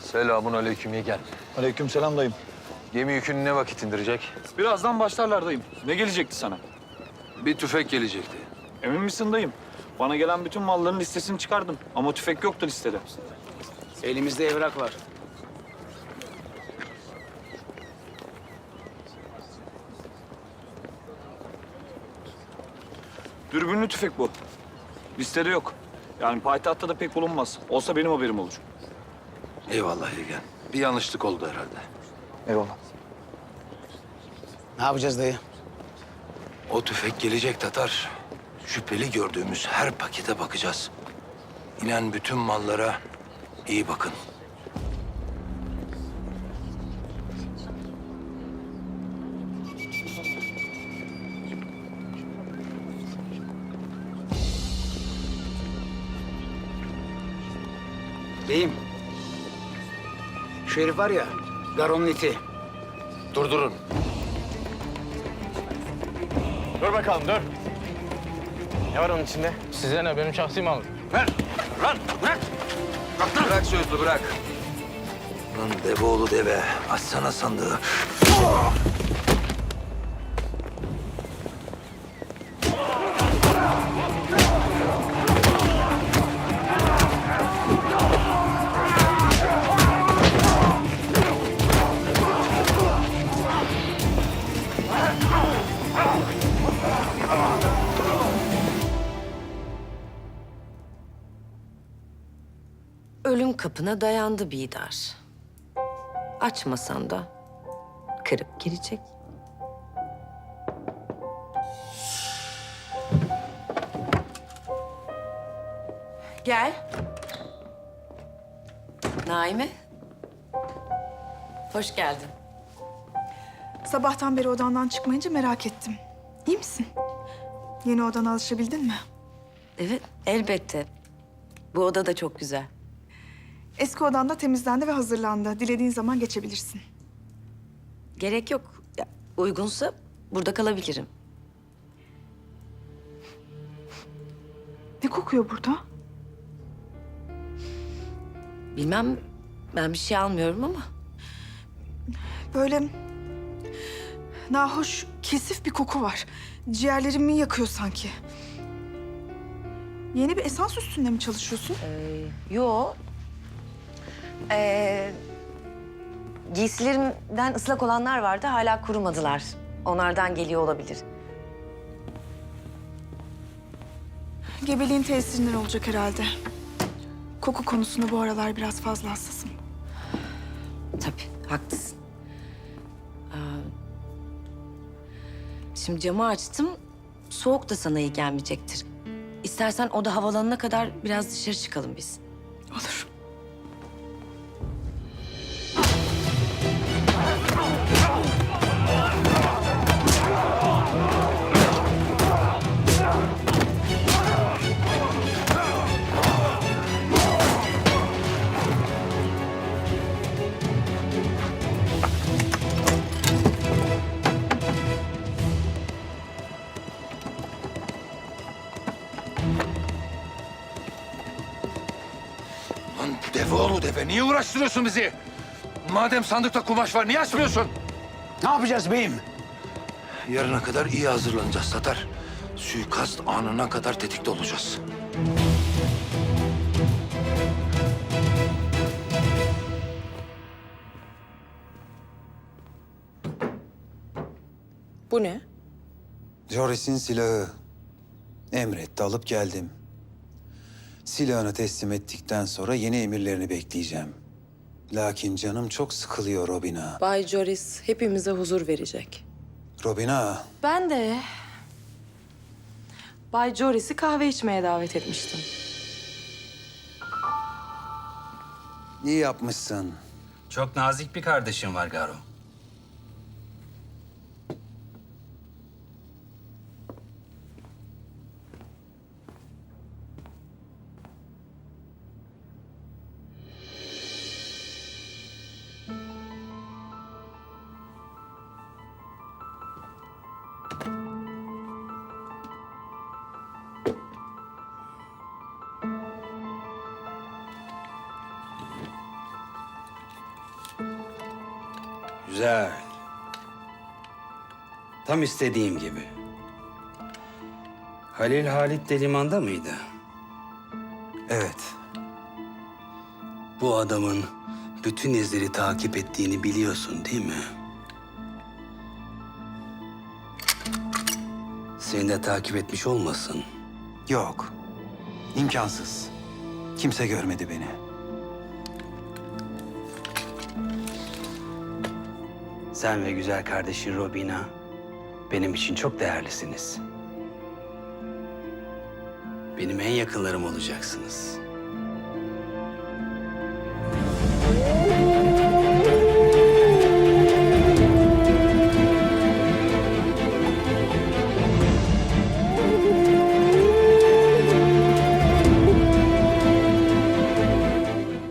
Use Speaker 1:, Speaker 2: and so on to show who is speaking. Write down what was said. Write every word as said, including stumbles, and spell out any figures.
Speaker 1: Selamun aleyküm yeğen.
Speaker 2: Aleykümselam dayım.
Speaker 1: Gemi yükünü ne vakit indirecek?
Speaker 2: Birazdan başlarlar dayım. Ne gelecekti sana?
Speaker 1: Bir tüfek gelecekti.
Speaker 2: Emin misin dayım? Bana gelen bütün malların listesini çıkardım. Ama tüfek yoktu listede.
Speaker 3: Elimizde evrak var.
Speaker 2: Dürbünlü tüfek bu. Listede yok. Yani payitahtta da pek bulunmaz. Olsa benim haberim olur.
Speaker 1: Eyvallah yeğen. Bir yanlışlık oldu herhalde.
Speaker 2: Eyvallah.
Speaker 3: Ne yapacağız dayı?
Speaker 1: O tüfek gelecek Tatar. Şüpheli gördüğümüz her pakete bakacağız. İnen bütün mallara iyi bakın.
Speaker 3: Beyim. Şu herif var ya, Garon'un iti.
Speaker 1: Durdurun.
Speaker 4: Dur bakalım, dur. Ne var onun içinde? Size ne? Benim şahsi malım.
Speaker 1: Ver! Lan bırak! Bırak sözlü bırak. Lan devoğlu deve. Açsana sandığı.
Speaker 5: Ölüm kapına dayandı Bidar. Açmasan da kırıp girecek. Gel. Naime. Hoş geldin.
Speaker 6: Sabahtan beri odandan çıkmayınca merak ettim. İyi misin? Yeni odana alışabildin mi?
Speaker 5: Evet, elbette. Bu oda da çok güzel.
Speaker 6: Eski odan da temizlendi ve hazırlandı. Dilediğin zaman geçebilirsin.
Speaker 5: Gerek yok. Ya, uygunsa burada kalabilirim.
Speaker 6: Ne kokuyor burada?
Speaker 5: Bilmem, ben bir şey almıyorum ama.
Speaker 6: Böyle nahoş, kesif bir koku var. Ciğerlerimi yakıyor sanki. Yeni bir esans üstünde mi çalışıyorsun?
Speaker 5: Ee, yo. Ee, giysilerimden ıslak olanlar vardı, hala kurumadılar. Onlardan geliyor olabilir.
Speaker 6: Gebeliğin tesirinden olacak herhalde. Koku konusunda bu aralar biraz fazla hassasım.
Speaker 5: Tabii, haklısın. Ee, şimdi camı açtım, soğuk da sana iyi gelmeyecektir. İstersen oda havalanana kadar biraz dışarı çıkalım biz.
Speaker 6: Olur.
Speaker 1: Lan devoğlu deve. Niye uğraştırıyorsun bizi? Madem sandıkta kumaş var niye açmıyorsun?
Speaker 3: Ne yapacağız beyim?
Speaker 1: Yarına kadar iyi hazırlanacağız Tatar. Suikast anına kadar tetikte olacağız.
Speaker 5: Bu ne?
Speaker 7: Joris'in silahı. Emretti, alıp geldim. Silahını teslim ettikten sonra yeni emirlerini bekleyeceğim. Lakin canım çok sıkılıyor Robina.
Speaker 8: Bay Joris hepimize huzur verecek.
Speaker 7: Robina,
Speaker 8: Ben de Bay Joris'i kahve içmeye davet etmiştim.
Speaker 7: iyi yapmışsın.
Speaker 9: Çok nazik bir kardeşim var Garo. Güzel. Tam istediğim gibi. Halil Halit de limanda mıydı?
Speaker 7: Evet.
Speaker 9: Bu adamın bütün izleri takip ettiğini biliyorsun değil mi? Seni de takip etmiş olmasın?
Speaker 7: Yok. İmkansız. Kimse görmedi beni.
Speaker 9: Sen ve güzel kardeşin Robina benim için çok değerlisiniz. Benim en yakınlarım olacaksınız.